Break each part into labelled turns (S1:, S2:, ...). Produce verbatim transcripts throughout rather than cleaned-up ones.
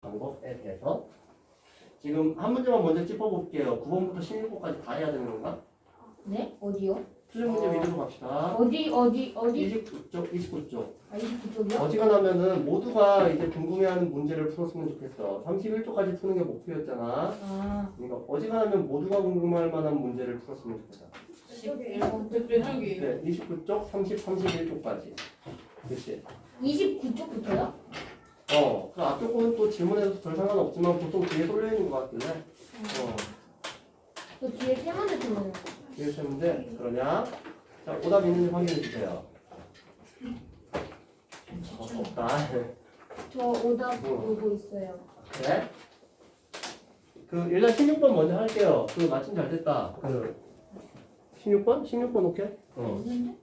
S1: 방법에 대해서 지금 한 문제만 먼저 짚어볼게요. 구 번부터 십육 번까지 다 해야 되는 건가?
S2: 네? 어디요?
S1: 수능 문제 위주로 갑시다.
S2: 어디 어디 어디?
S1: 이십구 쪽, 이십구 쪽.
S2: 아 이십구 쪽이요?
S1: 어지간하면은 모두가 이제 궁금해하는 문제를 풀었으면 좋겠어. 삼십일 쪽까지 푸는 게 목표였잖아.
S2: 아
S1: 그러니까 어지간하면 모두가 궁금할 만한 문제를 풀었으면 좋겠다.
S2: 십일 번.
S1: 네, 이십구 쪽, 삼십, 삼십일 쪽까지. 그치?
S2: 이십구 쪽부터요?
S1: 어, 그 앞쪽은 또 질문해도 별 상관없지만 보통 뒤에 쏠려 있는 것 같길래. 어,
S2: 저 뒤에 세 문제 들어요.
S1: 뒤에 세 문제 그러냐? 자, 오답 있는지 확인해 주세요. 어, 없다.
S2: 저 오답
S1: 뭐?
S2: 보고 있어요.
S1: 그래? 그 일단 십육 번 먼저 할게요. 그 마침 잘 됐다. 그 십육 번? 십육 번 오케이? 어.
S2: 있는데?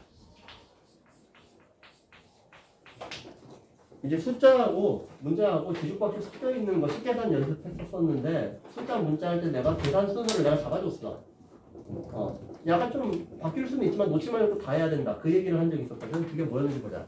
S1: 이제 숫자하고 문자하고 뒤죽박죽 섞여 있는 거 식계산 연습했었었는데 숫자 문자 할 때 내가 계산 순서를 내가 잡아줬어. 어. 약간 좀 바뀔 수는 있지만 놓지 말고 다 해야 된다. 그 얘기를 한 적이 있었거든. 그게 뭐였는지 보자.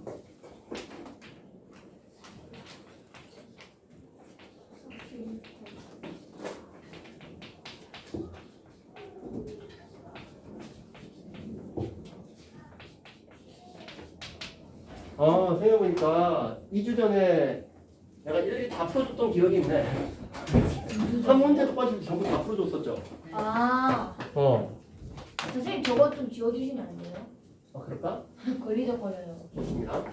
S1: 어, 생각해보니까 이 주 전에 내가 일일이 다 풀어줬던 기억이 있네. 한 문제도 빠지고 전부 다 풀어줬었죠.
S2: 아
S1: 어.
S2: 선생님 저거 좀 지워주시면 안 돼요?
S1: 아, 그럴까?
S2: 걸리적거려요.
S1: 좋습니다.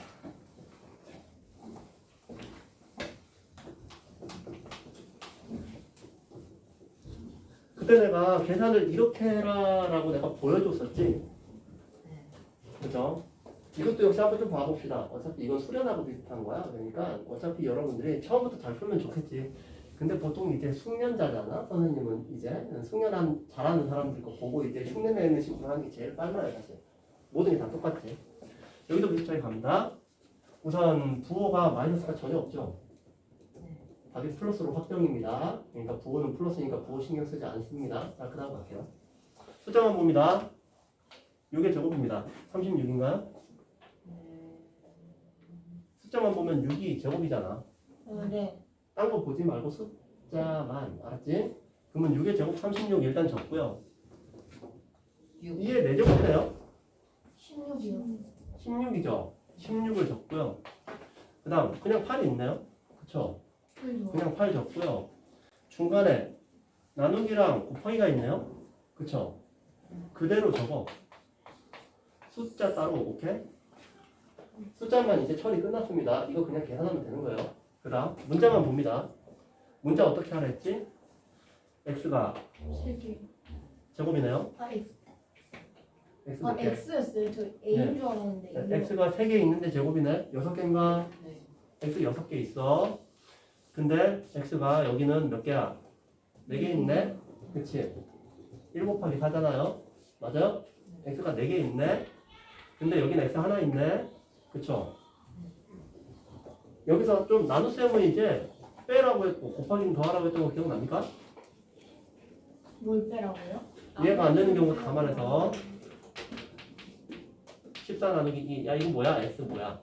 S1: 그때 내가 계산을 이렇게 해라라고 내가 보여줬었지. 그죠? 이것도 역시 한번 좀 봐봅시다. 어차피 이건 수련하고 비슷한 거야. 그러니까 어차피 여러분들이 처음부터 잘 풀면 좋겠지. 근데 보통 이제 숙련자잖아. 선생님은 이제 숙련한 잘하는 사람들 거 보고 이제 흉내내는 식으로 하는 게 제일 빨라요, 사실. 모든 게 다 똑같지. 여기도 비슷하게 갑니다. 우선 부호가 마이너스가 전혀 없죠. 답이 플러스로 확정입니다. 그러니까 부호는 플러스니까 부호 신경 쓰지 않습니다. 자, 그 다음 갈게요. 숫자만 봅니다. 이게 제곱입니다. 삼십육인가요? 숫자만 보면 육이 제곱이잖아.
S2: 어, 네.
S1: 딴 거 보지 말고 숫자만. 알았지? 그러면 육의 제곱 삼십육 일단 적고요. 이게 네 제곱이네요.
S2: 십육이요.
S1: 십육이죠. 십육을 적고요. 그 다음 그냥 팔이 있네요. 그쵸? 그냥 팔 적고요. 중간에 나누기랑 곱하기가 있네요. 그쵸? 그대로 적어. 숫자 따로. 오케이? 숫자만 이제 처리 끝났습니다. 이거 그냥 계산하면 되는 거예요. 그 다음 문자만 봅니다. 문자 어떻게 하라 했지? x가
S2: 세 개.
S1: 제곱이네요.
S2: 아 X.
S1: x
S2: 아
S1: 몇 개?
S2: X였어요. 저 A인
S1: 네.
S2: 줄 알았는데.
S1: 네,
S2: 이거.
S1: x가 세 개 있는데 제곱이네. 여섯 개인가?
S2: 네.
S1: x 여섯 개 있어. 근데 x가 여기는 몇 개야? 네 개 있네? 그치? 일 곱하기 사잖아요? 맞아요? x가 네 개 있네? 근데 여기는 x 하나 있네? 그쵸? 여기서 좀 나눗셈은 이제 빼라고 했고 곱하기는 더하라고 했던 거 기억납니까?
S2: 뭘 빼라고요?
S1: 이해가 안 되는 경우 감안해서 십사 나누기 이. 야 이거 뭐야? x 뭐야?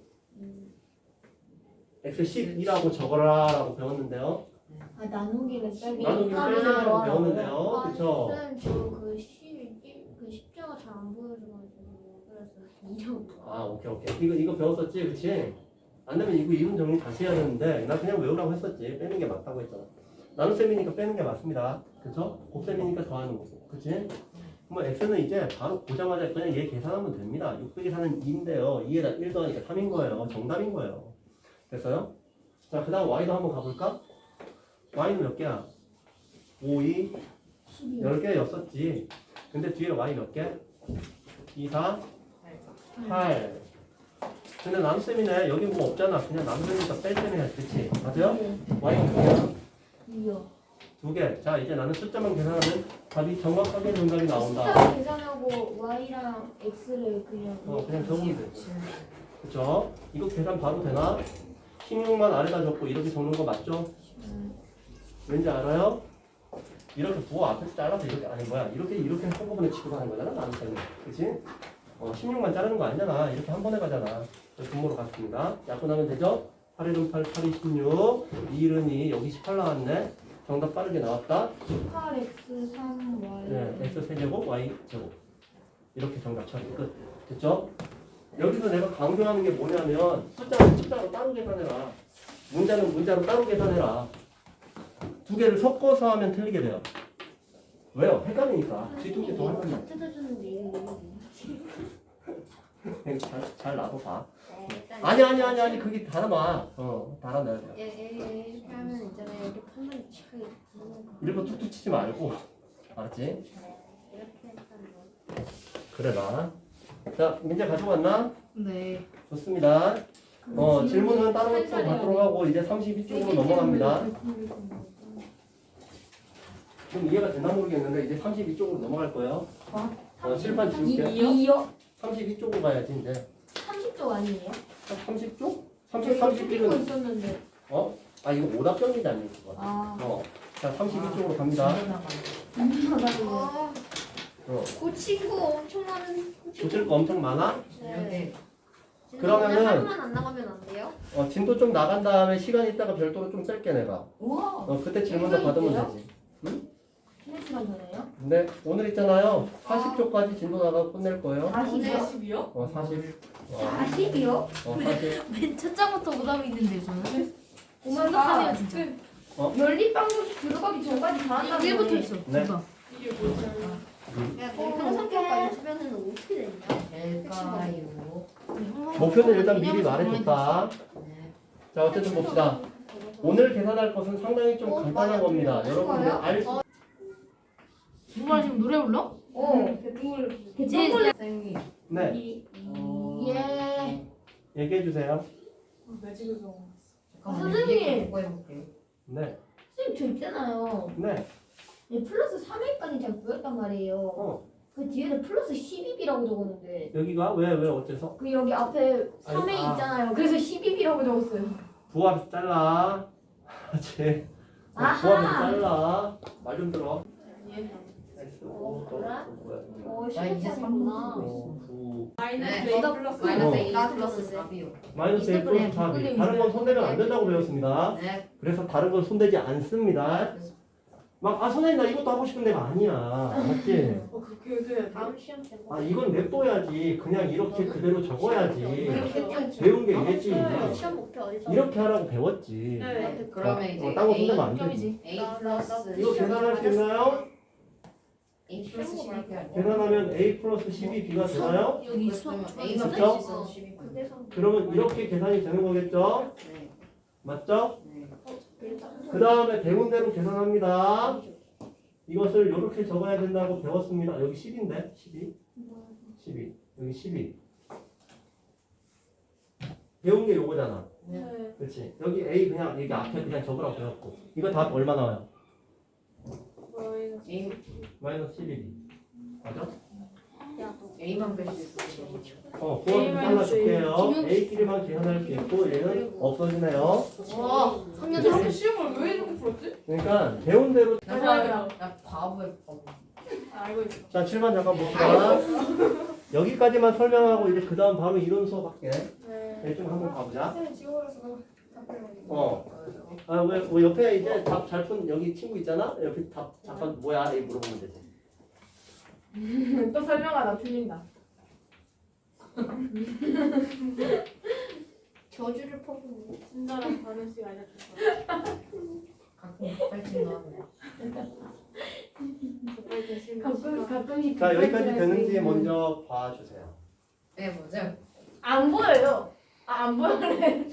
S1: x 십이라고 적어라 라고 배웠는데요.
S2: 아 나누기는 빼고.
S1: 나누기는
S2: 아,
S1: 빼라고
S2: 더하라고요?
S1: 배웠는데요.
S2: 아,
S1: 그쵸?
S3: 쌤, 저그 그 십자가 잘 안 보여줘가지고 그래서 이형
S1: 아 오케이 오케이 이거 이거 배웠었지 그치? 안 되면 이거 이분 정리 다시 해야 되는데 나 그냥 외우라고 했었지. 빼는 게 맞다고 했잖아. 나눗셈이니까 빼는 게 맞습니다. 그쵸? 곱셈이니까 더하는 거고 그치? 그러면 x는 이제 바로 보자마자 그냥 얘 계산하면 됩니다. 육 빼기 사는 이인데요 이에다 일 더하니까 삼인 거예요. 정답인 거예요. 됐어요? 자 그 다음 y도 한번 가볼까? y는 몇 개야? 오, 이,
S2: 십이요.
S1: 열 개였었지. 근데 뒤에 y 몇 개? 이, 사, 팔. 근데 나눗셈이네. 여기 뭐 없잖아. 그냥 나눗셈이니까 뺄 때는 해. 그치? 맞아요? y가 몇 개야?
S2: 이요.
S1: 두 개. 자, 이제 나는 숫자만 계산하면 답이 정확하게 정답이 나온다.
S2: 숫자 계산하고 Y랑 X를 그냥.
S1: 어, 그냥 적으면 돼. 그쵸? 이거 계산 바로 되나? 십육만 아래다 적고 이렇게 적는 거 맞죠? 왠지 알아요? 이렇게 부호 앞에서 잘라서 이렇게 아니 뭐야 이렇게 이렇게 한꺼번에 취급하는 거잖아 나눗셈은. 그치? 어, 십육만 자르는 거 아니잖아. 이렇게 한 번에 가잖아. 분모로 갔습니다. 약분하면 되죠? 팔 일은 팔, 팔 이 십육, 이 일은 이, 여기 십팔 나왔네. 정답 빠르게 나왔다.
S2: 팔 엑스 삼 와이.
S1: 네, x 세제곱, y 제곱. 이렇게 정답 처리 끝. 됐죠? 여기서 내가 강조하는 게 뭐냐면 숫자는 숫자로 따로 계산해라. 문자는 문자로 따로 계산해라. 두 개를 섞어서 하면 틀리게 돼요. 왜요? 헷갈리니까. 뒤두개 더 하면
S3: 다 뜯어주는데 이거
S1: 잘, 잘 놔둬 봐.
S3: 네, 일단
S1: 아니 아니 아니 아니 그게 달아놔. 어 달아놔야 돼요.
S3: 예, 예, 예, 이렇게 하면 있잖아요. 이렇게 하면 차이 나는 거.
S1: 일부러 툭툭 치지 말고. 알았지?
S3: 네, 이렇게 했던 거.
S1: 그래 나. 자 문제 가져왔나?
S4: 네.
S1: 좋습니다. 어 질문은 다른 것도 받도록 하고 이제 삼십이 쪽으로 넘어갑니다. 좀 이해가 되나 모르겠는데 이제 삼십이 쪽으로 넘어갈 거예요. 어, 칠판 지울게.
S2: 이요?
S1: 삼십이 쪽으로 가야지 이제.
S2: 삼십 쪽 아니에요?
S1: 삼십 쪽? 삼십, 삼십일은
S2: 있었는데.
S1: 어? 아 이거 오답정리도 아니고 그거.
S2: 아.
S1: 어. 자 삼십이 쪽으로 갑니다.
S3: 아,
S1: 어.
S3: 고친 거 엄청 많은.
S1: 고칠 거 엄청 많아?
S3: 네.
S1: 그러면은-
S3: 그냥 하루만 안 나가면 안 돼요?
S1: 어 진도 좀 나간 다음에 시간 있다가 별도로 좀 뺄게 내가.
S2: 우와.
S1: 어 그때 질문도 받으면 되지.
S2: 한 시간 전에요?
S1: 근데 오늘 있잖아요. 사십 쪽까지 진도 나가고 끝낼 거예요.
S2: 사십이요?
S1: 어 사십. 어,
S2: 사십이요?
S1: 어 사십.
S4: 맨 첫 장부터 오답이 있는데 저는.
S2: 오마가
S4: 심각하네요 진짜.
S2: 연립방송 들어가기 전까지 다 한다는
S4: 일부터
S2: 거예요.
S4: 있어.
S1: 네.
S4: 이거.
S3: 야, 내 평상평까지 쓰면은 어떻게 되냐?
S5: 될까요?
S1: 목표는 일단 미리 말해줬다.
S5: 네.
S1: 자 어쨌든 봅시다. 오늘 계산할 것은 상당히 좀 간단한 겁니다. 여러분들 알 수.
S4: 누가 지금 노래 불러?
S2: 어.
S4: 제
S5: 선생님.
S1: 네.
S5: 어...
S2: 예.
S1: 얘기해 주세요.
S5: 잠깐만.
S2: 선생님.
S5: 이거 보고 해볼게요.
S1: 네.
S2: 선생님 저 있잖아요.
S1: 네.
S2: 얘 플러스 삼 일까지 잘 보였단 말이에요.
S1: 어.
S2: 그 뒤에는 플러스 십이 비라고 적었는데
S1: 여기가 왜 왜 어째서?
S2: 그 여기 앞에 삼 회
S1: 아니, 아.
S2: 있잖아요. 그래서 십이 비라고 적었어요.
S1: 부합 잘라. 제.
S2: 아하.
S1: 부합에서 잘라. 말 좀 들어. X 오 더
S3: 그래?
S1: 뭐야?
S2: 어,
S5: 나 이제 삼
S2: 십오구나.
S1: 오, 구.
S5: 네.
S4: 오답
S5: 마이너스
S1: 어.
S5: A 플러스 사비요.
S1: 마이너스 A 플러스 사비. 다른 건 손대면 안 된다고 배웠습니다.
S5: 네.
S1: 그래서 다른 건 손대지 않습니다. 막 아 선생님 나 이것도 하고 싶은데가 아니야. 맞지?
S3: 다음 시험 때.
S1: 아 이건 냅둬야지. 그냥 이렇게 그대로 적어야지.
S3: 이렇게
S1: 배운 게 이랬지.
S3: 시험 목표 어디서?
S1: 이렇게 하라고 배웠지.
S3: 네.
S5: 그러면 이제
S1: 어, 딴거
S5: A,
S1: 손대면 안 되지.
S4: 점이지.
S5: A
S3: 나- 나-
S5: 플러스
S3: 나-
S1: 이거 계산할 수 있나요?
S5: A 플러스 십이 아니야?
S1: 계산하면 A 플러스 십이 B가 되나요?
S4: 여기
S5: 그러면
S4: 수학
S5: A가
S1: 그쵸?
S5: 플러스 십이.
S3: 그래서
S1: 그러면 이렇게 계산이 되는 거겠죠?
S5: 네.
S1: 맞죠?
S5: 네.
S1: 그 다음에 배운 대로 계산합니다. 이것을 이렇게 적어야 된다고 배웠습니다. 여기 십인데? 십이? 십이. 여기 십이. 배운 게 요거잖아.
S5: 네.
S1: 그렇지. 여기 A 그냥 여기 앞에 그냥 적으라고 배웠고. 이거 답 얼마 나와요?
S5: A
S1: 마이너스 십이 B. 맞아?
S5: A만 뺄 수 있어.
S1: 어, 그거 잘라줄게요. A끼리만 계산할 수 있고 얘는 없어지네요.
S4: 와, 삼 년
S1: 그치?
S4: 됐어.
S6: 시험을 왜 이렇게 풀었지?
S1: 그러니까 배운 대로.
S6: 맞아요.
S5: 나 바보야 바보.
S6: 알고 있어.
S1: 자, 칠 번 잠깐 봅시다. 여기까지만 설명하고 이제 그 다음 바로 이론 수업 할게.
S6: 네.
S1: 좀 한번 가보자.
S6: 선생님 지워서 답변을.
S1: 어. 아, 왜, 왜 옆에 이제 답 잘 푼 여기 친구 있잖아? 옆에 답 잠깐 뭐야? 이 물어보면 되지.
S6: 또 설명하다 틀린다.
S3: 저주를 퍼붓는.
S6: 친절한 바른 씨가 알려줬어.
S5: 가끔 빨리 나왔네.
S6: 정말 대신
S2: 가끔 가끔씩
S1: 자, 여기까지
S2: 뒷발질할 수
S1: 되는지
S2: 있는-
S1: 먼저 봐주세요.
S5: 네 뭐죠?
S6: 안 보여요. 아, 안 보여래.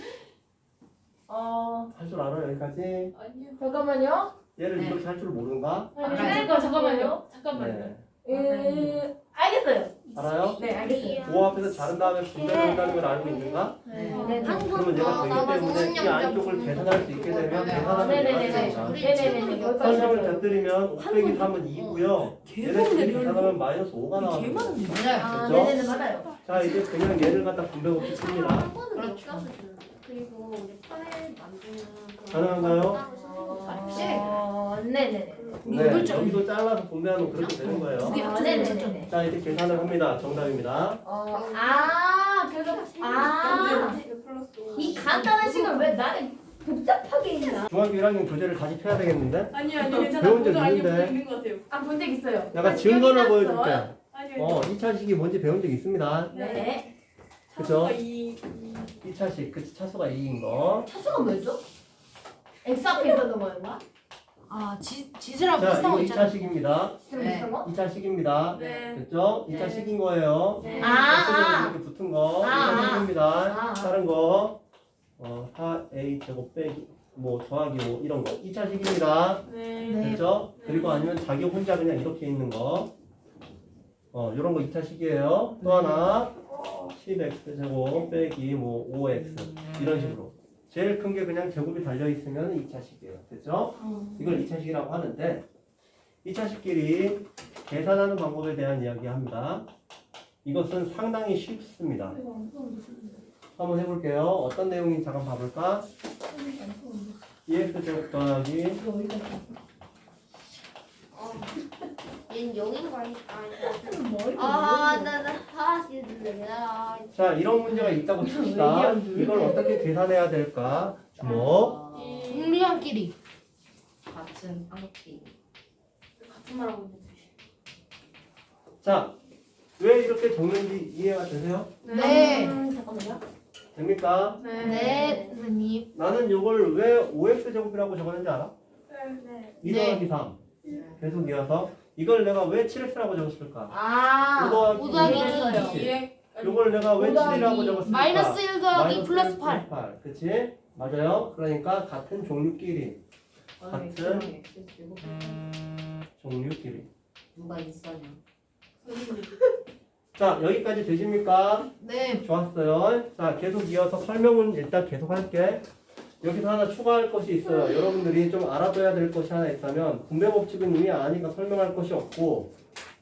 S6: 어.
S1: 할 줄 알아, 여기까지?
S6: 아니요.
S2: 잠깐만요.
S1: 얘를
S5: 네.
S1: 이렇게 할 줄 모르는가?
S6: 아니,
S5: 아,
S6: 잠깐 잠깐만요. 잠깐만요.
S1: 네.
S2: 음,
S6: 알겠어요.
S1: 알아요?
S6: 네, 알겠어요.
S1: 오 앞에서 자른 다음에 분배를 한다는 걸 알고 있는가?
S5: 네.
S2: 네.
S1: 그러면 얘가 되기 때문에 이 안쪽을 계산할 수 있게 되면 계산하면
S2: 네네네네.
S1: 얘가 됩니다.
S2: 네네네네. 여기까지
S1: 설명을
S2: 했어요.
S1: 곁들이면 오 빼기 삼은 이고요. 얘를 둘이 계산하면 마이너스 오가 나와요.
S5: 맞아요.
S2: 아,
S1: 그렇죠?
S2: 네네네 맞아요.
S1: 자, 이제 그냥 얘를 갖다 분배 없이 씁니다.
S3: 한 번은 못
S5: 그렇죠.
S3: 가서 주는. 그리고 우리 파일 만드는 그
S1: 가능한가요?
S3: 따로 쓰는 거
S5: 맞지?
S2: 어, 네네네.
S4: 우리
S1: 네,
S4: 여덟 점.
S1: 여기도 잘라서 분배하면 그렇게 되는
S4: 두 개
S1: 거예요.
S2: 아,
S4: 합쳐서 여덟 점.
S2: 네네네.
S1: 자, 이제 계산을 합니다. 정답입니다.
S2: 어, 아, 그래서 아,
S6: 네, 플러스 오.
S2: 이 간단한 식을 왜 나를 복잡하게 했나?
S1: 중학교 일 학년 교재를 다시 펴야 되겠는데?
S6: 아니요 아니요 괜찮아.
S1: 배운 적
S6: 모두 알게
S1: 있는데.
S6: 있는 것 같아요.
S2: 아, 본 적 있어요.
S1: 약간
S6: 아,
S1: 증거를
S6: 기억이
S1: 보여줄게.
S6: 났어요? 아니요.
S1: 어, 이 차식이 뭔지 배운 적 있습니다.
S2: 네.
S1: 그죠?
S6: 차수가 이
S1: 이 차식, 그치, 차수가 이인 거.
S2: 차수가 뭐였죠? X 앞에 있었던 거였나?
S4: 아 지, 지수랑
S1: 자,
S4: 비슷한
S1: 이거
S4: 거
S1: 이
S4: 있잖아.
S1: 차식입니다.
S2: 지금
S5: 네.
S2: 있었던 거?
S1: 이 차식입니다.
S6: 네.
S1: 됐죠? 이
S6: 네.
S1: 차식인 거예요.
S6: 네.
S2: 아,
S1: 이렇게 붙은 거.
S2: 아, 아.
S1: 이 차식입니다.
S2: 아.
S1: 다른 거. 어, 사 에이 제곱 빼기, 뭐, 더하기 오, 이런 거. 이 차식입니다.
S6: 네.
S4: 네.
S1: 됐죠?
S6: 네.
S1: 그리고 아니면 자기 혼자 그냥 이렇게 있는 거. 어, 요런 거 이 차식이에요. 또 하나. 십 엑스 제곱 빼기 뭐 오 엑스 이런 식으로 제일 큰 게 그냥 제곱이 달려 있으면 이 차식이에요. 됐죠? 이걸 이 차식이라고 하는데 이 차식끼리 계산하는 방법에 대한 이야기합니다. 이것은 상당히 쉽습니다. 한번 해볼게요. 어떤 내용인지 잠깐 봐볼까? 이 엑스 제곱 더하기
S3: 얘는 영인 거 아니야?
S2: 아,
S3: 아나나 하나씩 들려.
S1: 자 이런 문제가 있다고 칩시다. 이걸 어떻게 계산해야 될까? 주목.
S4: 동류한끼리.
S5: 같은 한끼.
S6: 같은 말하고 있는 듯이.
S1: 자, 왜 이렇게 적는지 이해가 되세요?
S4: 네.
S2: 음, 잠깐만요.
S1: 됩니까?
S6: 네.
S4: 네 선생님.
S1: 나는 이걸 왜 오 엑스 제곱이라고 적었는지 알아?
S6: 네.
S1: 이
S4: 네.
S1: 더하기 삼. 계속 이어서 이걸 내가 왜 칠 엑스라고 적었을까?
S2: 아,
S1: 오 더하기
S4: 오 더하기
S1: 이.
S4: 이.
S6: 이에
S1: 이걸 내가 왜
S2: 오 더하기
S1: 칠이라고 적었을까?
S4: 마이너스 일 더하기
S1: 마이너스
S4: 플러스
S1: 일
S4: 팔.
S1: 팔. 그치? 맞아요. 그러니까 같은 종류끼리.
S5: 아,
S1: 같은
S5: X랑 X 제곱.
S1: 종류끼리.
S5: 누가 있어냐?
S1: 자, 여기까지 되십니까?
S4: 네.
S1: 좋았어요. 자, 계속 이어서 설명은 일단 계속 할게. 여기서 하나 추가할 것이 있어요. 여러분들이 좀 알아둬야 될 것이 하나 있다면 분배 법칙은 이미 아니까 설명할 것이 없고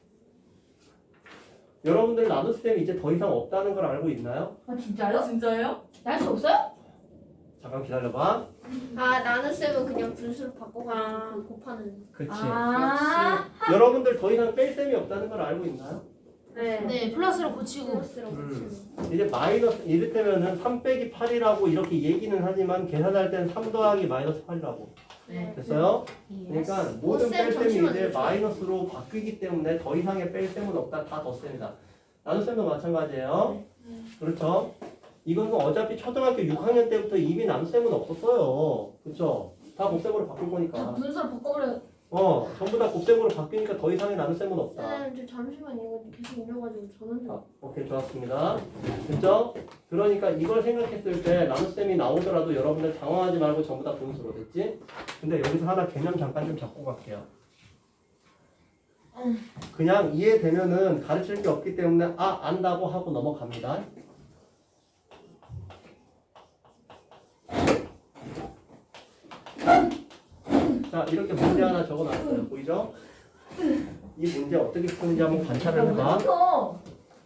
S1: 여러분들 나눗셈이 이제 더 이상 없다는 걸 알고 있나요?
S2: 아, 진짜요?
S6: 진짜요?
S2: 날 수 없어요?
S1: 잠깐 기다려봐.
S3: 아 나는 쌤은 그냥 분수를 바꿔가 곱하는.
S1: 그치.
S2: 아,
S1: 여러분들 더 이상 뺄 셈이 없다는 걸 알고 있나요?
S6: 네.
S4: 네 플러스로 고치고.
S3: 플러스라고
S1: 음.
S3: 치는.
S1: 이제 마이너스 이를테면은 삼 빼기 팔이라고 이렇게 얘기는 하지만 계산할 땐 삼 더하기 마이너스 팔이라고.
S5: 네.
S1: 됐어요?
S4: 예.
S1: 그러니까 모든
S3: 쌤,
S1: 뺄셈이
S3: 잠시만요.
S1: 이제 마이너스로 바뀌기 때문에 더 이상의 뺄셈은 없다. 다 덧셈이다. 나눗셈도 마찬가지예요. 그렇죠? 이건 어차피 초등학교 육 학년 때부터 이미 나눗셈은 없었어요. 그렇죠? 다 곱셈으로 바뀐
S2: 다
S1: 거니까.
S2: 분수를 바꿔버려.
S1: 어, 전부 다 곱셈으로 바뀌니까 더 이상의 나눗셈은 없다.
S3: 쌤, 저 잠시만 이거 계속 올려가지고 저는 좀.
S1: 아, 오케이, 좋았습니다. 됐죠? 그러니까 이걸 생각했을 때 나눗셈이 나오더라도 여러분들 당황하지 말고 전부 다 분수로 됐지? 근데 여기서 하나 개념 잠깐 좀 잡고 갈게요. 그냥 이해되면은 가르칠 게 없기 때문에 아, 안다고 하고 넘어갑니다. 자, 이렇게 문제 하나 적어놨어요. 보이죠? 이 문제 어떻게 푸는지 한번 관찰을 해봐.
S2: 어,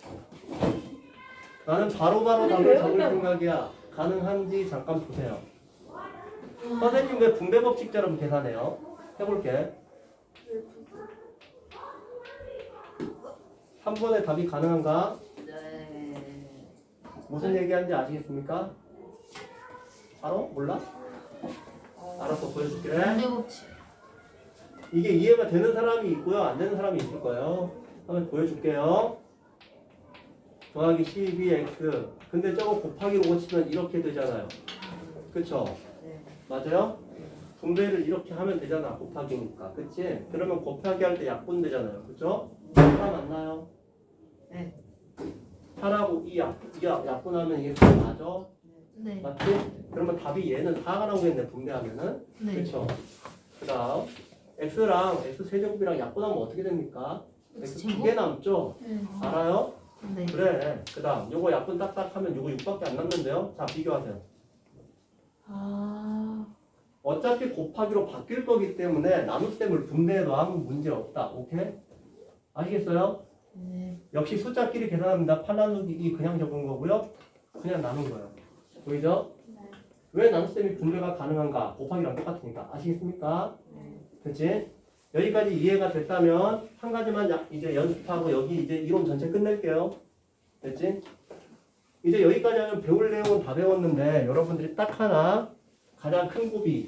S1: 나는 바로바로
S2: 아니,
S1: 답을
S2: 왜
S1: 적을
S2: 그래?
S1: 생각이야. 가능한지 잠깐 보세요. 선생님 왜 분배 법칙처럼 계산해요? 해볼게. 삼 번의 답이 가능한가?
S5: 네.
S1: 무슨 얘기하는지 아시겠습니까? 바로? 몰라? 알았어, 보여줄게.
S4: 분배 법칙.
S1: 이게 이해가 되는 사람이 있고요, 안 되는 사람이 있을 거예요. 한번 보여줄게요. 더하기 십이 엑스. 근데 저거 곱하기로 고치면 이렇게 되잖아요. 그쵸?
S5: 네.
S1: 맞아요? 분배를 이렇게 하면 되잖아. 곱하기니까. 그치? 그러면 곱하기 할 때 약분 되잖아요. 그쵸? 하나 맞나요?
S5: 네.
S1: 팔하고 이 약, 이 약- 약분하면 이게 사 맞아?
S4: 네.
S1: 맞지? 그러면 답이 얘는 사가 나오겠네. 분배하면은.
S4: 네.
S1: 그쵸? 그 다음 x랑 x 세제곱이랑 약분하면 어떻게 됩니까? x 두 개 남죠? 알아요?
S4: 네.
S1: 그래. 그 다음 요거 약분 딱딱 하면 요거 육밖에 안 남는데요? 자 비교하세요.
S4: 아.
S1: 어차피 곱하기로 바뀔 거기 때문에 나눗셈을 분배해도 아무 문제 없다. 오케이? 아시겠어요?
S4: 네.
S1: 역시 숫자끼리 계산합니다. 팔 나누기 이 그냥 적은 거고요. 그냥 나눈 거예요. 보이죠? 왜 나눗셈이 분배가 가능한가? 곱하기랑 똑같으니까. 아시겠습니까?
S5: 네.
S1: 그치? 여기까지 이해가 됐다면 한 가지만 야- 이제 연습하고 여기 이제 이론 전체 끝낼게요. 됐지? 이제 여기까지 하면 배울 내용은 다 배웠는데 여러분들이 딱 하나 가장 큰 고비.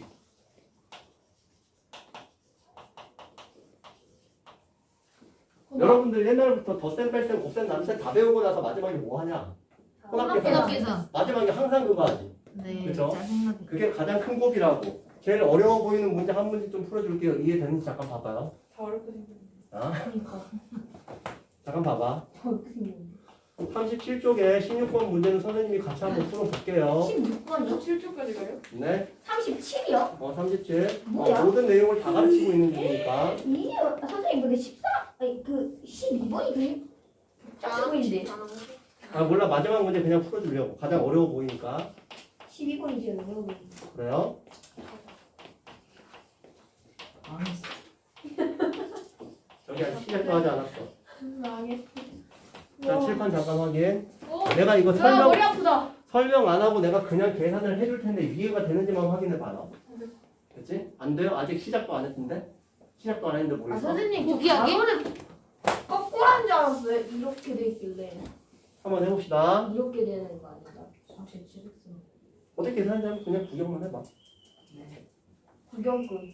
S1: 여러분들 옛날부터 덧셈, 뺄셈, 곱셈, 남셈 다 배우고 나서 마지막에 뭐 하냐? 혼합계산.
S4: 혼합계산.
S1: 마지막에 항상 그거 하지.
S4: 네.
S1: 그죠?
S4: 짜증나게.
S1: 그게 가장 큰 고비라고. 제일 어려워 보이는 문제 한 문제 좀 풀어줄게요. 이해되는지 잠깐 봐봐요.
S6: 다 어렵게 생겼네.
S1: 아,
S2: 그러니까.
S1: 잠깐 봐봐.
S2: 어떻게 생겼는데?
S1: 삼십칠 쪽에 십육 번 문제는 선생님이 같이 한번 풀어볼게요.
S2: 십육 번이요?
S6: 칠 초까지 가요?
S1: 네,
S2: 삼십칠이요?
S1: 어, 삼십칠.
S2: 뭐야?
S1: 어, 모든 내용을 다 가르치고 있는 중이니까.
S2: 이게 선생님 근데 십사 아니 그 십이 번이 그게 복잡해 보이는데
S1: 아, 몰라. 마지막 문제 그냥 풀어주려고. 가장 어려워 보이니까.
S2: 십이 번이 제일 어려워 보이는데.
S1: 그래요? 저기 아직 시작도 하지 않았어.
S6: 망했어.
S1: 자, 칠판 잠깐 확인.
S6: 오,
S1: 내가 이거
S6: 야,
S1: 설명,
S6: 머리 아프다.
S1: 설명 안 하고 내가 그냥 계산을 해줄 텐데 이해가 되는지만 확인해 봐라. 그치? 안 돼요? 아직 시작도 안 했는데? 시작도 안 했는데
S2: 아
S1: 모르겠어?
S2: 선생님 저
S4: 포기하게?
S2: 단어를 거꾸로 한 줄 알았어요. 이렇게 돼 있길래
S1: 한번 해봅시다.
S2: 이렇게 되는 거 아닌가?
S5: 삼십칠 엑스.
S1: 어떻게 계산하는지 한번 그냥 구경만 해봐.
S5: 네.
S2: 구경꾼.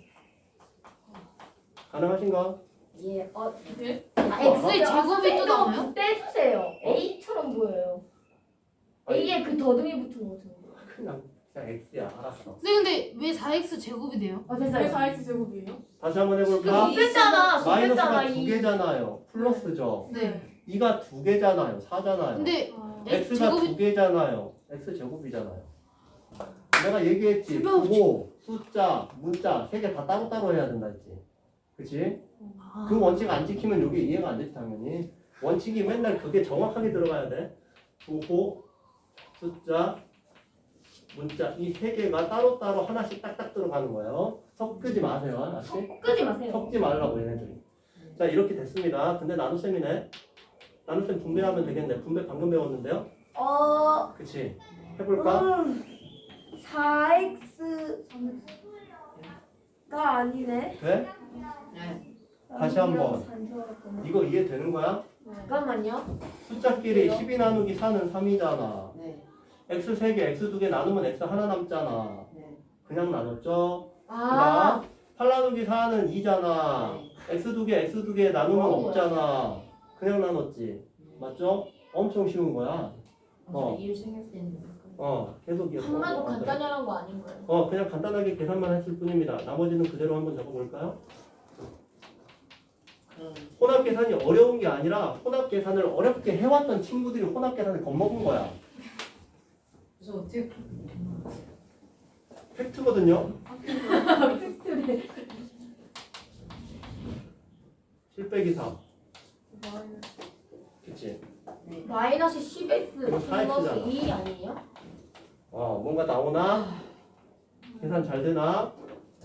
S1: 가능하신가?
S2: 예. 어.
S6: 네?
S2: 아,
S4: X의 제곱이 또 나와요?
S2: 아, 떼주세요. A처럼 보여요.
S1: 아니.
S2: A에 그 더듬이 붙은 거 같은 거.
S1: 그냥, 그냥 X야. 알았어.
S4: 선생님 근데 왜 사 엑스 제곱이 돼요?
S2: 아
S6: 왜
S2: 됐어요.
S6: 사 엑스 제곱이에요?
S1: 다시 한번
S2: 그
S1: 해볼까?
S2: 두 개잖아. 두 개잖아.
S1: 마이너스가 두
S2: 이.
S1: 개잖아요. 플러스죠.
S4: 네.
S1: 이가 두 개잖아요. 사잖아요.
S4: 근데
S6: 아,
S4: X
S1: X가 두
S4: 제곱이
S1: 개잖아요. X 제곱이잖아요. 내가 얘기했지.
S4: 제곱.
S1: 부호, 숫자, 문자 세 개 다 따로따로 해야 된다 했지. 그치?
S4: 아,
S1: 그 원칙 안 지키면 이게 이해가 안 되지 당연히. 원칙이 맨날 그게 정확하게 들어가야 돼. 부호, 숫자, 문자 이 세 개가 따로따로 하나씩 딱딱 들어가는 거예요. 섞지 마세요. 알았지?
S2: 끄지 마세요.
S1: 섞지 말라고 얘네들이. 자 이렇게 됐습니다. 근데 나눗셈이네. 나눗셈 분배하면 되겠네. 분배 방금 배웠는데요.
S2: 어.
S1: 그치? 해볼까?
S2: 음, 사 엑스가 아니네.
S1: 돼?
S5: 네.
S1: 다시 한번. 이거 이해되는 거야?
S2: 잠깐만요.
S1: 숫자끼리 십이 나누기 사는 삼이잖아.
S5: 네.
S1: x 세 개, x 두 개 나누면 x 하나 남잖아.
S5: 네.
S1: 그냥 나눴죠?
S2: 아,
S1: 그다음 팔 나누기 사는 이잖아. x 두 개, x 두 개 나누면
S2: 어려워요.
S1: 없잖아. 그냥 나눴지. 맞죠? 엄청 쉬운 거야. 어.
S5: 일 생길 때 있는 거.
S1: 어, 계속 이어.
S2: 한마디 간단히 하는 거 아닌 거예요?
S1: 어, 그냥 간단하게 계산만 했을 뿐입니다. 나머지는 그대로 한번 적어볼까요?
S5: 그
S1: 혼합 계산이 어려운 게 아니라 혼합 계산을 어렵게 해왔던 친구들이 혼합 계산을 겁먹은 거야.
S5: 그래서 어떻게
S1: 팩트거든요. 칠 빼기 삼. 그치?
S5: 네.
S2: 마이너스 십 엑스
S1: 이거
S2: 플러스
S1: 사엑스잖아.
S2: 이 아니에요?
S1: 어, 뭔가 나오나? 계산 잘 되나?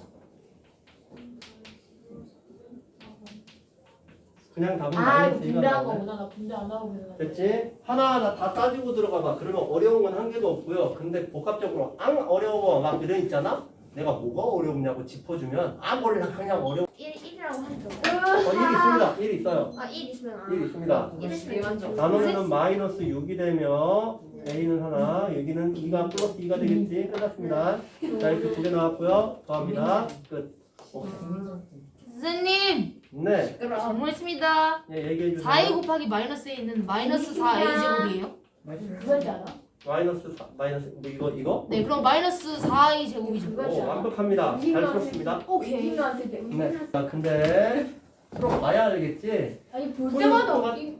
S1: 그냥 답은
S2: 아, 이거
S1: 마이너스 이가
S2: 분배한
S1: 나오네.
S2: 거구나. 나 분배 안 하고 있는 거.
S1: 됐지? 하나하나 다 따지고 들어가 봐. 그러면 어려운 건 한 개도 없고요. 근데 복합적으로 앙 어려워 막 이래 있잖아? 내가 뭐가 어렵냐고 짚어주면 아 몰라 그냥 어려워.
S2: 일, 일이라고 하죠.
S1: 어, 일 있습니다. 일 있어요.
S2: 아, 일 있으면 안.
S1: 일 있습니다.
S2: 일 있으면 좀.
S1: 나누면 마이너스 육이 되며 A는 하나, 여기는 이가 플러스 이가 되겠지. 끝났습니다. 자 이렇게 두 개 나왔고요. 더합니다. 끝. 오케이.
S4: 선생님
S1: 네.
S4: 질문 있습니다.
S1: 예, 얘기해 주세요.
S4: 사 a 곱하기 마이너스 a는 마이너스 사 a 제곱이에요?
S2: 그거지 않아?
S1: 마이너스 사, 마이너스 뭐 이거 이거?
S4: 네 그럼 마이너스 사 a 제곱이죠.
S2: 그거지
S1: 오,
S2: 않아?
S1: 완벽합니다. 잘 풀었습니다.
S4: 오케이.
S2: 우리한테 내
S1: 네. 자, 근데 풀어 봐야 알겠지?
S2: 아니 볼 때마다
S1: 토요일
S2: 웃기.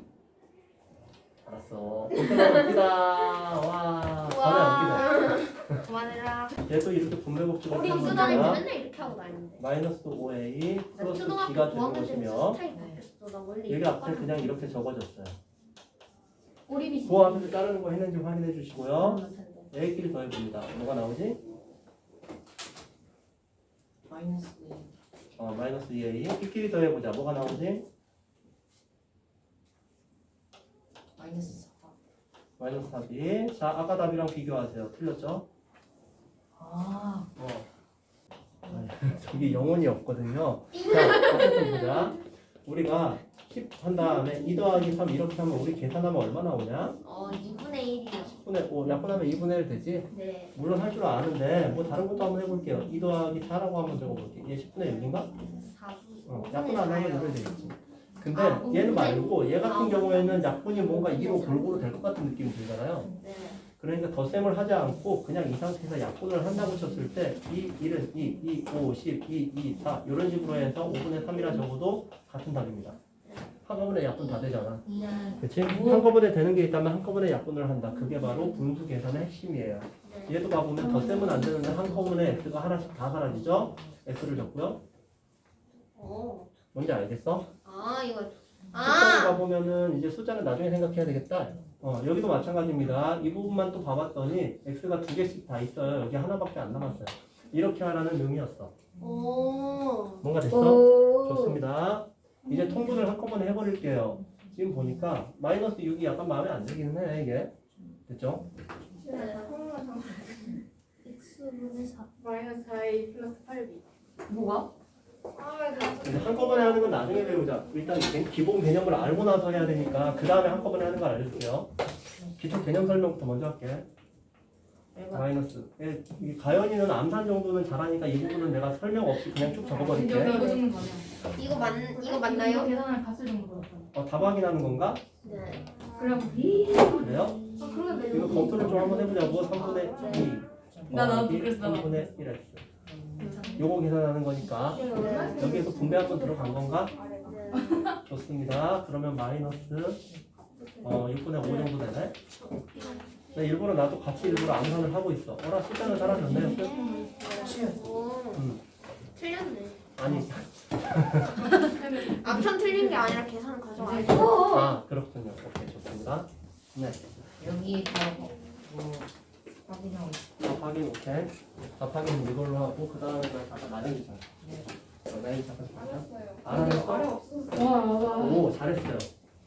S1: 알았어. 볼 때마다 웃기다. 와, 전혀 웃기다.
S4: 그만해라.
S1: 얘도 이렇게 분배 법칙을
S2: 우리
S1: 쓰는
S2: 수다는
S1: 거야.
S2: 맨날 이렇게 하고 다니는데.
S1: 마이너스 오 에이
S2: 나
S1: 플러스
S2: 초등학교
S1: b가 되는
S2: 고학년 때부터
S1: 것이며
S2: 스타일 바뀌었어. 나 원래
S1: 여기
S2: 이렇게
S1: 앞에 그냥 이렇게 적어졌어요.
S2: 오리비
S1: 그 앞에서 자르는 거 했는지 확인해 주시고요. A끼리 더해봅니다. 뭐가 나오지?
S5: 마이너스 네.
S1: 어, 마이너스 이 에이. B끼리 더해보자. 뭐가 나오지?
S5: 마이너스 사.
S1: 마이너스 사 비. 자, 아까 답이랑 비교하세요. 틀렸죠?
S5: 아.
S1: 어. 저기 영혼이 없거든요. 자, 어쨌든 보자. 우리가 십 한 다음에 이 더하기 삼 이렇게 하면 우리 계산하면 얼마 나오냐?
S2: 어 이분의 일이요.
S1: 십분의 오 약분하면 이분의 일 되지?
S2: 네.
S1: 물론 할 줄 아는데 뭐 다른 것도 한번 해볼게요. 이 더하기 사라고 한번 적어볼게. 얘 십분의 육인가? 어, 약분 안 하면 이걸 되겠지. 근데
S2: 아,
S1: 얘는
S2: 오분의-
S1: 말고 얘 같은
S2: 아,
S1: 경우에는 약분이 뭔가 이로 골고루 될 것 같은 느낌이 들잖아요.
S2: 네.
S1: 그러니까 덧셈을 하지 않고 그냥 이 상태에서 약분을 한다고 쳤을 때 이, 일은 이, 이, 오, 십, 이, 이, 사 이런 식으로 해서 오분의 삼이라 적어도 같은 답입니다. 한꺼번에 약분 다 되잖아.
S2: 네.
S1: 그치? 한꺼번에 되는 게 있다면 한꺼번에 약분을 한다. 그게 바로 분수 계산의 핵심이에요. 얘도 가보면 덧셈은 안 되는데 한꺼번에 x가 하나씩 다 사라지죠? x를 적고요.
S3: 어.
S1: 뭔지 알겠어?
S3: 아 이거.
S1: 숫자를
S3: 아.
S1: 가보면은 이제 숫자는 나중에 생각해야 되겠다. 어, 여기도 마찬가지입니다. 이 부분만 또 봐봤더니 x가 두 개씩 다 있어요. 여기 하나밖에 안 남았어요. 이렇게 하라는 의미였어.
S3: 오.
S1: 뭔가 됐어?
S2: 오.
S1: 좋습니다. 이제 통분을 한꺼번에 해버릴게요. 지금 보니까 마이너스 육이 약간 마음에 안 들기는 해 이게. 됐죠?
S3: 네. x분의 사.
S6: 마이너스 사 에이 플러스 팔 비.
S2: 뭐가?
S3: 아 나.
S1: 근데 한꺼번에 하는 건 나중에 배우자. 일단 개- 기본 개념을 알고 나서 해야 되니까 그 다음에 한꺼번에 하는 걸 알려줄게요. 기초 개념 설명부터 먼저 할게. 마이너스. 예, 이 가연이는 암산 정도는 잘하니까 이 부분은 내가 설명 없이 그냥 쭉 적어버릴게.
S4: 이거 정도 가면.
S3: 이거 맞 이거 맞나요?
S4: 계산을 갔을 정도 같아.
S1: 어, 답 확인하는 건가?
S3: 네.
S2: 그럼 이.
S1: 그래요?
S3: 아 그러면
S1: 이거 검토를 좀 한번 해보자고. 삼분의 이.
S4: 나 나도
S1: 더하기
S4: 그랬어, 나도
S1: 삼분의 일 x. 요거 계산하는 거니까
S3: 네.
S1: 여기에서 분배 한번 들어간 건가?
S3: 네.
S1: 좋습니다. 그러면 마이너스 어, 육분의 오 정도 되네. 나 일부러 나도 같이 일부러 암산을 하고 있어. 어라 숫자는 사라졌네.
S3: 오.
S1: 음.
S3: 틀렸네.
S1: 아니
S3: 암산 틀린 게 아니라 계산 가져와요.
S1: 아 그렇군요. 오케이 좋습니다. 네.
S5: 여기에다가 뭐 확인하고 있어.
S1: 답 확인 오케이. 답 확인 이걸로 하고 그 다음에 잠깐 나중이자. 어, 나중에 잠깐 알아냈어?
S6: 와.
S1: 오 잘했어요.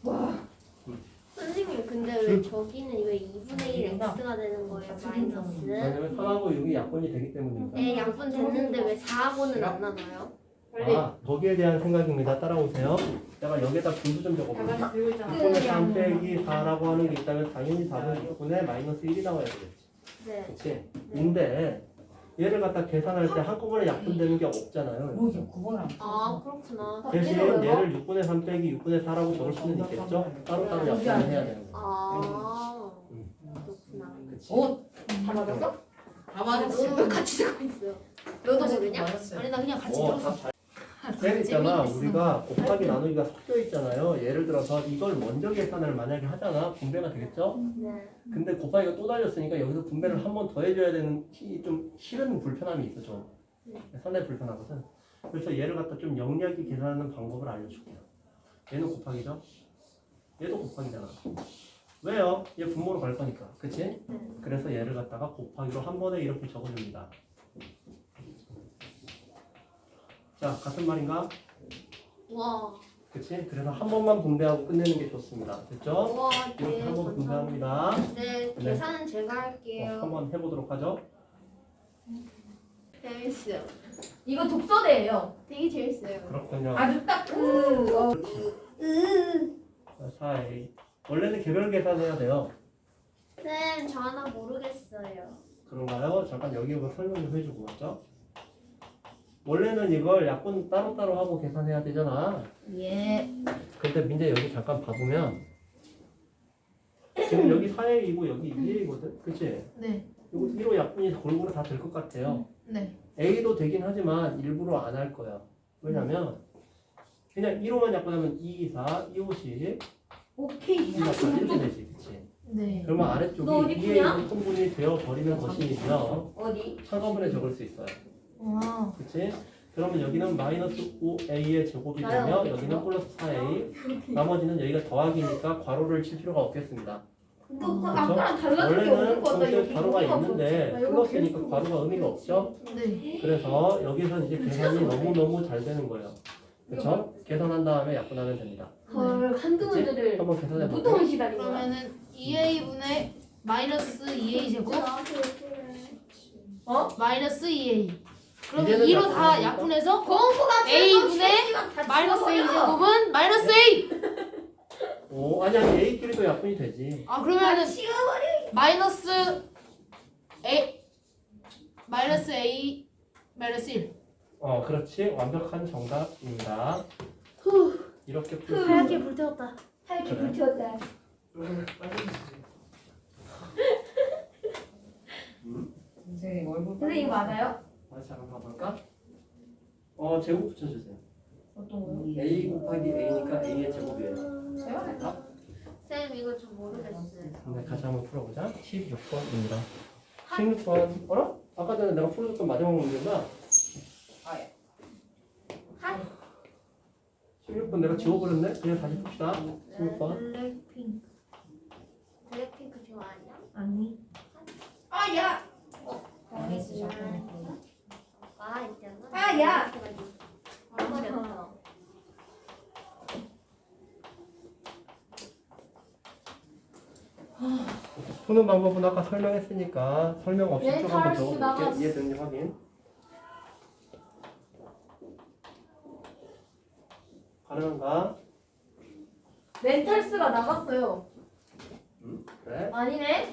S3: 선생님 근데 왜 저기는 왜 이분의 일 x가 되는 거예요? 마이너스.
S1: 왜냐면 삼하고 육이 약분이 되기 때문입니다.
S3: 네 약분 됐는데 왜 사하고는 안 나눠요?
S6: 빨리.
S1: 아 거기에 대한 생각입니다. 따라오세요. 내가 여기에다 분수 좀
S6: 다
S1: 적어볼게.
S6: 같이 들고 있잖아.
S1: 육분의 삼 빼기 사라고 하는 게 있다면 당연히 답은 육분의 마이너스 일이 나와야 되겠지.
S3: 네.
S1: 그치? 근데 얘를 갖다 계산할 때 한꺼번에 약분되는 게 없잖아요.
S5: 뭐지? 구분 안
S3: 아 그렇구나.
S1: 대신 얘를 육분의 삼 빼기 육분의 사라고 적을 수는 있겠죠? 따로따로 약분을 해야 되는 거야.
S3: 아 그렇구나.
S1: 그치?
S5: 오!
S2: 다 맞았어?
S5: 다 맞았어.
S3: 너도 왜 같이 듣고 있어요? 너도 모르냐?
S5: 맞았어요.
S4: 아니 나 그냥 같이
S1: 어,
S4: 들었어.
S1: 다 잘. 쌤 있잖아.
S4: 재미있어.
S1: 우리가 곱하기 나누기가 섞여 있잖아요. 예를 들어서 이걸 먼저 계산을 만약에 하잖아. 분배가 되겠죠?
S3: 네.
S1: 근데 곱하기가 또 달렸으니까 여기서 분배를 한 번 더 해줘야 되는 히- 좀 싫은 불편함이 있어 좀. 상당히 불편하거든. 그래서 얘를 갖다 좀 영리하게 계산하는 방법을 알려줄게요. 얘는 곱하기죠? 얘도 곱하기잖아. 왜요? 얘 분모로 갈 거니까. 그치? 그래서 얘를 갖다가 곱하기로 한 번에 이렇게 적어줍니다. 자, 같은 말인가?
S3: 와.
S1: 그치? 그래서 한 번만 분배하고 끝내는 게 좋습니다. 됐죠?
S3: 와.
S1: 이렇게
S3: 네.
S1: 한 번
S3: 감사합니다.
S1: 분배합니다.
S3: 네.
S1: 네.
S3: 계산은 제가
S1: 어,
S3: 할게요.
S1: 한번 해보도록 하죠.
S3: 재밌어요.
S2: 이거 독서대예요.
S3: 되게 재밌어요.
S1: 그렇군요.
S2: 아주 딱그 어.
S1: 사 에이. 원래는 개별 계산해야 돼요.
S3: 쌤, 저 하나 모르겠어요.
S1: 그런가요? 잠깐 여기 뭐 설명 좀 해주고 맞죠? 원래는 이걸 약분 따로따로 하고 계산해야 되잖아.
S2: 예.
S1: 근데 민재 여기 잠깐 봐보면 지금 여기 사 에이이고 여기 이 에이거든? 그치?
S4: 네.
S1: 이거 일호 약분이 골고루 다 될 것 같아요.
S4: 네.
S1: A도 되긴 하지만 일부러 안 할 거야. 왜냐면 그냥 일호만 약분하면 이, 사, 이, 오, 십
S2: 오케이.
S1: 이렇게 되지. 그치?
S4: 네.
S1: 그러면
S2: 너
S1: 아래쪽이
S2: 어디
S1: 이
S2: 푸냐?
S1: 에이는 통분이 되어버리는 것이며
S2: 어디?
S1: 한꺼번에 적을 수 있어요.
S4: 와.
S1: 그치? 그러면 여기는 마이너스 오 에이의 제곱이
S2: 나요,
S1: 되며
S2: 어디
S1: 여기는 플러스 사 에이 나머지는 여기가 더하기니까 괄호를 칠 필요가 없겠습니다.
S2: 너 아까랑 달라진 게 없는
S1: 원래는
S2: 것 같다.
S1: 동시에
S2: 여기
S1: 괄호가
S2: 의미가
S1: 있는데
S6: 나 이거
S1: 플러스니까
S6: 계속
S1: 괄호가 의미가 없죠?
S4: 네.
S1: 그래서 여기서 이제 계산이 너무너무 잘 되는 거예요. 그렇죠? 계산한 다음에 약분하면 됩니다.
S2: 헐 한두
S1: 그치?
S2: 문제를
S1: 한번 계산해 볼게요.
S2: 보통은 시다린 거야.
S4: 그러면은 이 에이분의 마이너스 이 에이 제곱
S2: 어?
S4: 마이너스 이 에이. 그러면
S1: 이제는
S4: 이로 다
S1: 약분하니까?
S4: 약분해서
S2: 공부가
S4: A분의 마이너스 A 제곱은 마이너스 A.
S1: 오, 아니 아니 A끼리도 약분이 되지.
S4: 아 그러면은
S2: 식어버려.
S4: 마이너스 A 마이너스 A 마이너스 일.
S1: 어, 그렇지. 완벽한 정답입니다. 이렇게 풀.
S4: 하얗게 불태웠다.
S2: 하얗게
S1: 그래.
S2: 불태웠다.
S1: 음?
S5: 선생님 얼굴
S2: 선생님 이거 맞아요?
S1: 다시 한번 봐볼까? 어, 제곱 붙여주세요.
S5: 어떤 거요?
S1: A 곱하기 A니까 A의 제곱이에요.
S5: 제가 냈다.
S3: 쌤 이거 좀 모르겠어요.
S1: 네, 다시 한번 풀어보자. 십육 번입니다. 십육 번. 어라? 아까 전에 내가 풀어줬던 마지막 문제가
S5: 아 예.
S1: 십육 번 내가 지워버렸네? 그냥 다시 봅시다. 십육 번.
S3: 블랙핑크. 블랙핑크 좋아하냐?
S2: 아니.
S4: 아 야.
S5: 많이 쓰셨구나.
S3: 아 있잖아.
S2: 아, 야!
S3: 버렸어.
S1: 푸는 방법은 아까 설명했으니까 설명 없이
S4: 네,
S1: 쭉 한번
S4: 찰스
S1: 적어볼게.
S4: 나갔어.
S1: 이해되는지 확인. 가능한가?
S2: 멘탈스가 나갔어요.
S1: 음, 그래.
S2: 아니네.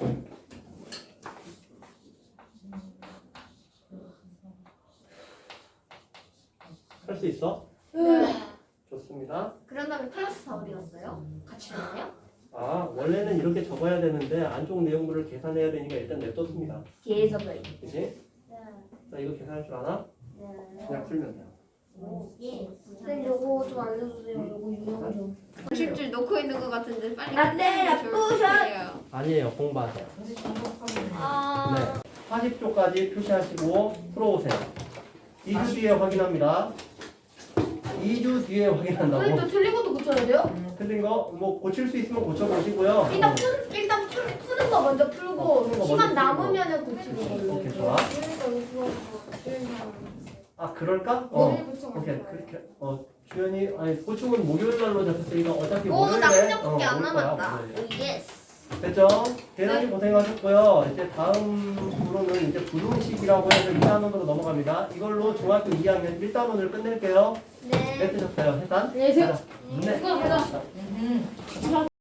S1: 할 수 있어?
S3: 네.
S1: 좋습니다.
S3: 그런 다음에 클래스 다 어디 갔어요? 같이 됐나요?
S1: 아, 원래는 이렇게 적어야 되는데 안쪽 내용물을 계산해야 되니까 일단 냅뒀습니다.
S2: 계속을.
S1: 그치?
S3: 네.
S1: 자, 이거 계산할 줄 알아?
S3: 네.
S1: 그냥 풀면 돼요.
S3: 예.
S2: 쌤 요거 좀 알려주세요. 요거 유형 좀.
S3: 구십 줄 놓고 있는 것 같은데 빨리.
S2: 안 돼,
S3: 해주시면 좋을 것
S2: 나쁘셔.
S3: 같아요.
S1: 아니에요. 공부하세요.
S5: 선생님 정답하면
S3: 아.
S1: 네. 사십 조까지 표시하시고 풀어오세요. 이 주 뒤에 확인합니다. 이 주 뒤에 확인한다고.
S2: 선생님 저 틀린 것도 고쳐야 돼요?
S1: 틀린 거 뭐 고칠 수 있으면 고쳐보시고요.
S2: 일단 푸, 일단 푸, 푸는 거 먼저 풀고
S1: 어, 푸는 거
S2: 시간
S1: 먼저
S2: 남으면은 고치는 걸로.
S1: 오케이, 좋아. 아, 그럴까? 어. 오케이, 그렇게. 어, 주연이, 아니, 보충은 목요일 날로 잡혔으니까 어차피
S3: 오,
S1: 목요일에.
S3: 나 한
S1: 어,
S3: 장밖에 안
S1: 올 거야,
S3: 남았다.
S1: 목요일에.
S3: 오, 예스.
S1: 됐죠? 대단히 고생하셨고요. 이제 다음 부로는 이제 부등식이라고 해서 이 단원으로 넘어갑니다. 이걸로 중학교 이 학년 일 단원을 끝낼게요.
S3: 네.
S1: 몇 드셨어요? 해산?
S2: 안녕히 계세요.
S1: 네.
S2: 수고하셨습니다.
S5: 음.